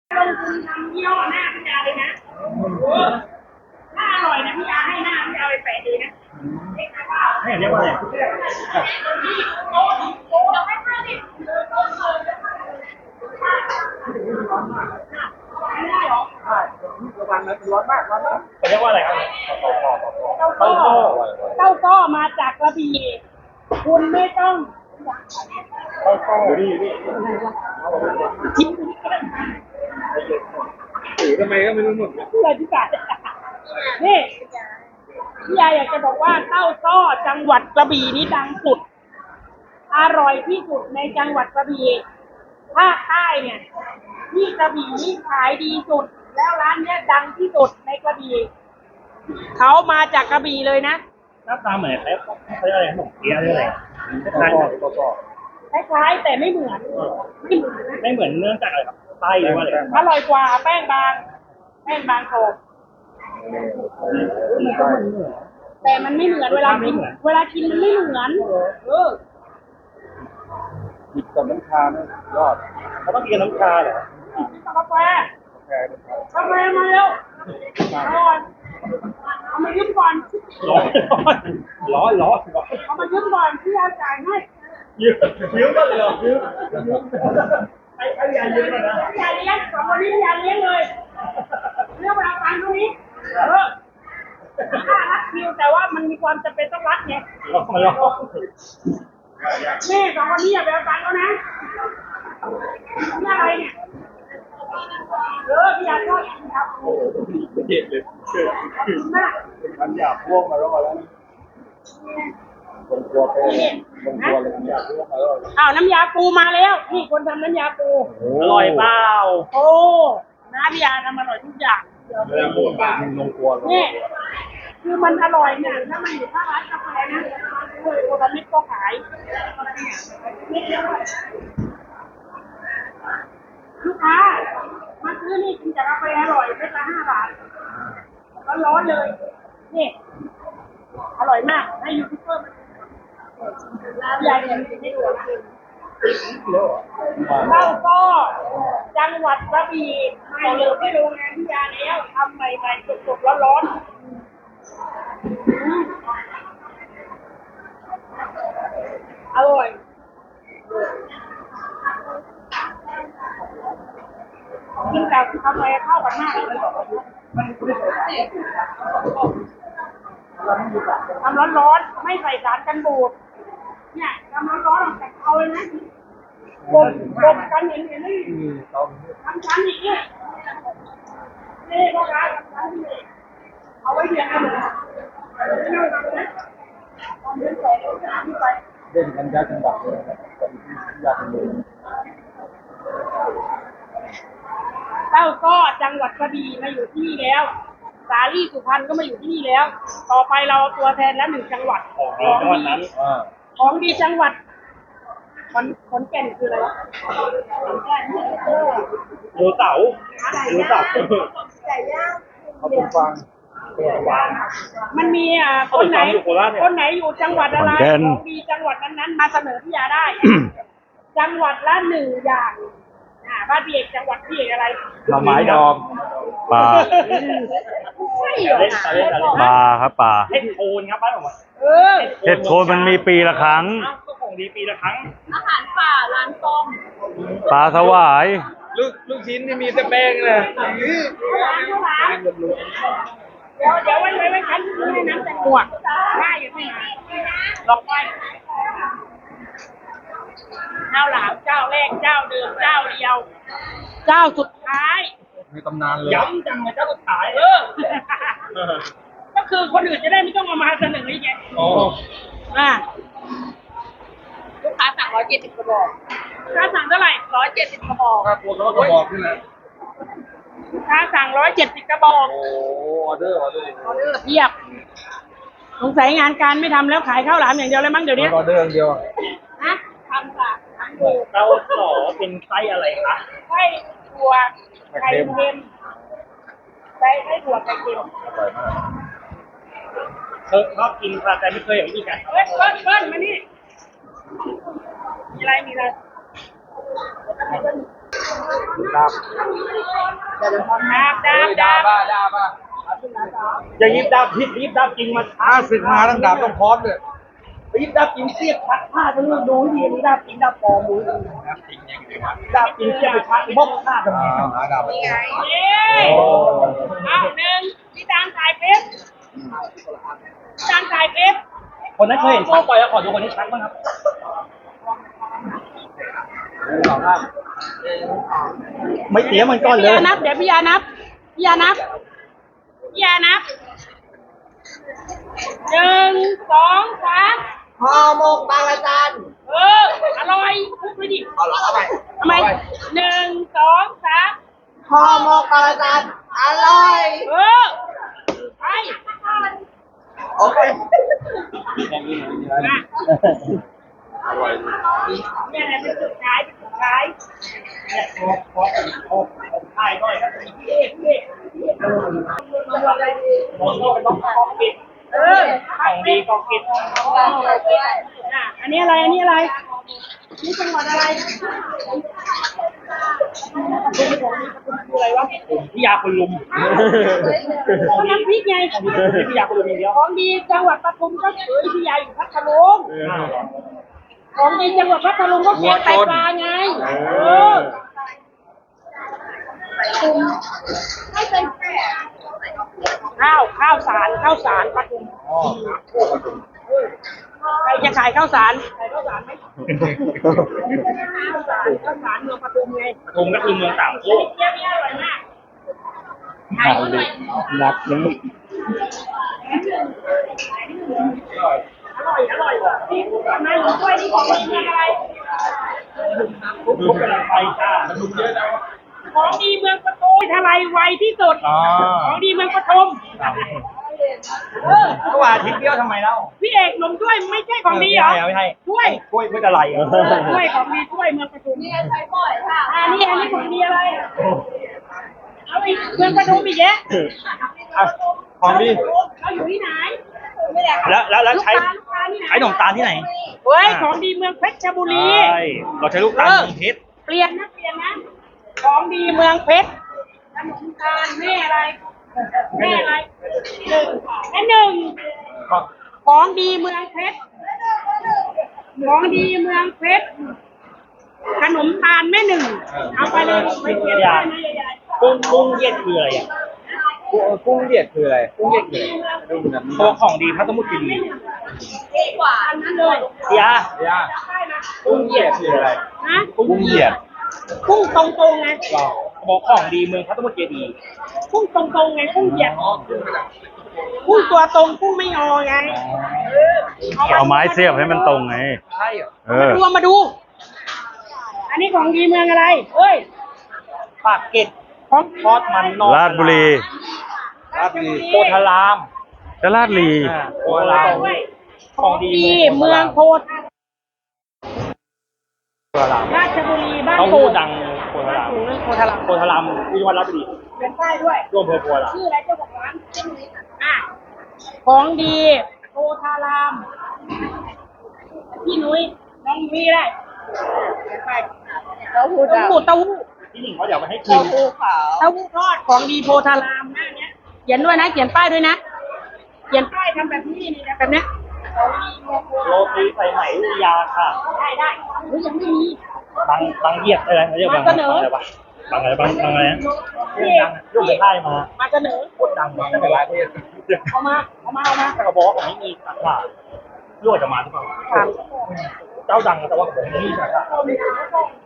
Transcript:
ลงทุนทำยี่ห้อหน้าพี่ยาเลยนะถ้าอร่อยนะพี่ยาให้หน้าพี่ยาไปแปะดีนะให้เรียกว่าอะไรระวังนะร้อนมากร้อนมากเขาเรียกว่าอะไรครับเต้าก้อมาจากกระบี่คุณไม่ต้องจิ้มถือทำไมก็ไม่รู้หมดเลยพี่กานี่พี่ยาอยากจะบอกว่าเต้าก้อจังหวัดกระบี่นี่ดังสุดอร่อยที่สุดในจังหวัดกระบี่ภาคใต้เนี่ยที่กระบี่นี่ขายดีสุดแล้วร้านเนี้ยดังที่สุดในกระบี่เขามาจากกระบี่เลยนะหน้าตาเหมือนอะไรเขาเรียกอะไรขนมเปี๊ยะหรืออะไรคล้ายคล้ายๆแต่ไม่เหมือนๆไม่เหมือนเนื่องจากอะไรครับไส้หรือว่าอะไรอร่อยกว่าแป้งบางโขกแต่มันไม่เหมือนเวลากินมันไม่เหมือนหยิบกับน้ำชาเนี่ยยอดเขาต้องกินน้ำชาเหรอกาแฟมาเร็วเอามายืมก่อนร้อนเอามายืมก่อนพี่ยาจ่ายให้ยืมก็เลยยืมไอ้ยายืมนะพี่ยาเลี้ยงสองคนนี้พี่ยาเลี้ยงเลยเรื่องเวลาตังค์ตรงนี้ค่ารัดคิวแต่ว่ามันมีความจำเป็นต้องรัดไงแม่สองคนนี้อย่าไปเอาตังค์เขานะนี่อะไรเนี่ยพี่ยาชอบกินครับเจ็บเลยขอบคุณมากมันอยากพ่วงมารอแล้วคนกลัวเป็นคนกลัวเลยอยากพ่วงมารออ้าวน้ำยาปูมาแล้วนี่คนทำน้ำยาปูอร่อยเปล่าโอ้น้าพี่ยาทำอร่อยทุกอย่างเรื่องปวดบ้าลงกลัวนี่คือมันอร่อยเนี่ยถ้ามันอยู่ข้างร้านกาแฟนะโอลามิดก็ขายลูกค้ามาซื้อนี่กินจากกาแฟอร่อยเม็ดละ5 บาทร้อนๆเลยนี่อร่อยมากให้ยูทูบเบอร์มาพี่ยาเนี่ยให้ดูเต้าก้อจังหวัดกระบี่มาอยู่ที่โรงงานพี่ยาแล้วทำใหม่ๆสดๆร้อนๆอร่อยกินแต่กาแฟเข้ากันมากเลยทำร้อนๆไม่ใส่สารกันบูดเนี่ยทำร้อนๆออกจากเตาเลยนะบดกันเห็นนี่ทำชั้นอย่างนี้นี่พ่อค้าทำชั้นนี่เอาไว้เรียนกันเลยเล่นกันยากจังหวัดเลยยากเลยเต้าก้อจังหวัดกระบี่มาอยู่ที่นี่แล้วสาลี่สุพรรณก็มาอยู่ที่นี่แล้วต่อไปเราตัวแทนละ1 จังหวัดของดีจังหวัดขอนแก่นคืออะไรวะดูเสาไก่ย่างเขาเป็นฟังมันมีคนไหนอยู่จังหวัดอะไรของดีจังหวัดนั้นๆมาเสนอพี่ยาได้ จังหวัดละ1 อย่างบ้านพี่เอกจังหวัดพี่เอกอะไรหน่อไม้ดองปลาใช่เหรอปลาครับปลาเห็ดโคนครับบ้านผมเห็ดโคนมันมีปีละครั้งก็ของดีปีละครั้งอาหารป่าร้านต้มปลาสวายลูกชิ้นนี่มีแต่แป้งเลยข้าวหลามเดี๋ยวไว้ชั้นให้น้ำแตงโมได้อยู่ที่ไหนลองไปข้าวหลามเจ้าแรกเจ้าเดิมเจ้าเดียว เจ้าสุดท้ายมีตำนานเลยย้ำจังเลยเจ้าสุดท้ายก็คือคนอื่นจะได้ไม่ต้องเอามาเสนออีกไงโอ้ลูกค้าสั่ง170 กระบอกลูกค้าสั่งเท่าไหร่170 กระบอกถ้าตัวเขาก็บอกนี่แหละลูกค้าสั่ง170 กระบอกโอ้ออเดอร์ออเดอร์เพียบสงสัยงานการไม่ทำแล้วขายข้าวหลามอย่างเดียวเลยมั้งเดี๋ยวนี้ออเดอร์เดียวนะทำค่ะทำดูเต้าหล่อเป็นไส้อะไรคะไส้ถั่วไข่เค็มไส้ถั่วไข่เค็มชอบกินค่ะแต่ไม่เคยเห็นอีกไงเบิ้ลมานี่มีอะไรดับอย่ายิบดาบพิษยิบดาบจริงมาศึกมาตั้งดาบต้องพร้อมเลยยิบดาบจริงเสียบพัดผ้าทั้งนู้นดูดีนี่ดาบจริงดาบปลอมดูดาบจริงเสียบไปพัดบกผ้าทำไมหาดาบมาเอาหนึ่งพี่ตามสายเพชรตามสายเพชรคนนั้นเคยเห็นชักต่อยแล้วขอดูคนที่ชักบ้างครับไม่เสียมันก้อนเลยพี่ยานับ เดี๋ยวพี่ยานับพี่ยานับพี่ยานับหนึ่งสองสามห่อหมกบางระจันอร่อยพูดไปดิเอาละเอาไปทำไมหนึ่งสองสามห่อหมกบางระจันอร่อยไปโอเคมาเนี่ยแหละเป็นสุดท้ายเป็นสุดท้ายถ่ายหน่อยครับพี่เอกต้องกองกิจของดีกองกิจอันนี้อะไร อันนี้อะไร นี่จังหวัดอะไรอะไรวะพี่ยาคนลุมก็น้ำพริกไงพี่ยาคนลุมอย่างเดียวของดีจังหวัดปทุมก็คือพี่ยาอยู่พัทลุงของดีจังหวัดพัทลุงก็แกงไตปลาไงข้าวสารปทุมใครจะขายข้าวสารขายข้าวสารไหมข้าวสารเมืองปทุมไงปทุมก็คือเมืองสามโคกเยี่ยมอร่อยมากหนักยังอร่อยทำไมหนูช่วยนี่ของดีเมืองอะไรทุกกำลังไปจ้าทุกเยอะแล้วของดีเมืองปทุมทลายไวที่สุด ของดีเมืองปทุมเมื่อวานอาทิตย์เดียวทำไมเล่าพี่เอกนมด้วยไม่ใช่ของดีเหรอไม่ใช่ถ้วยกล้วยอะไรถ้วยของดีถ้วยเมืองปทุมนี่ใช้บ่อยค่ะอันนี้ของดีอะไรเอาอีกเมืองปทุมอีกแยะของดีเราอยู่ที่ไหนแล้วใช้ลูกค้าที่ไหนใช้ขนมตาลที่ไหนเฮ้ยของดีเมืองเพชรบุรีใช่เราใช้ลูกตาลเมืองเพชรเปลี่ยนนะของดีเมืองเพชรขนมตาลแม่อะไรหนึ่งและหนึ่งของดีเมืองเพชรของดีเมืองเพชรขนมตาลแม่หนึ่งเอาไปเลยไปเขียนได้นะยายกุ้งเย็ดคืออะไรอ่ะกุ้งเหยียดคืออะไรกุ้งเหยียดคืออะไรดูแบบนี้ตัวของดีพระสมุทรคีรีกว่าอันนั้นเลยยาย่ากุ้งเหยียดคืออะไรนะกุ้งเหยียดกุ้งตรงๆไงบอกของดีเมืองพระสมุทรเจดีย์กุ้งตรงๆไงกุ้งเหยียดกุ้งตัวตรงกุ้งไม่งอไงเอาไม้เสียบให้มันตรงไงใช่เหรอมาดู อันนี้ของดีเมืองอะไรเอ้ยปากเกร็ดของทอดมันนอกราชบุรีราชบุรีโพธารามจะราชบุรีโพธารามของดีเมืองโพธโพธารามราชบุรีบ้านเขาโป่พูงดดังโพธารามโพธารามโพธารามที่จังหวัดราชบุรีเป็นใต้ด้วยร่วมอำเภอโพธารามชื่ออะไรเจ้าของร้านอ่ะของดีโพธารามพี่นุ้ยน้องนุ้ยได้ไปเต้าหู้เต้าหู้ที่หนึ่งเขาเดี๋ยวมาให้กินเต้าหู้ทอดของดีโพธารามหน้าเนี้ยเขียนด้วยนะเขียนป้ายด้วยนะเขียนป้ายทำแบบนี้นี่แบบเนี้ยของดีเมืองโพธารามโรตีใส่ไหมวิทยาค่ะได้เฮ้ยยังไม่มีบางเหยียดอะไรเขาเรียกบางอะไรวะบางอะไรบางอะไรนะเรื่องดังยกไปค่ายมามาเสนอพูดดังมาตั้งแต่หลายประเทศเอามาแต่เขาบอกว่าผมไม่มีสาขารั่วจะมาหรือเปล่าถามเจ้าดังแต่ว่าผมไม่มีสาขาเอา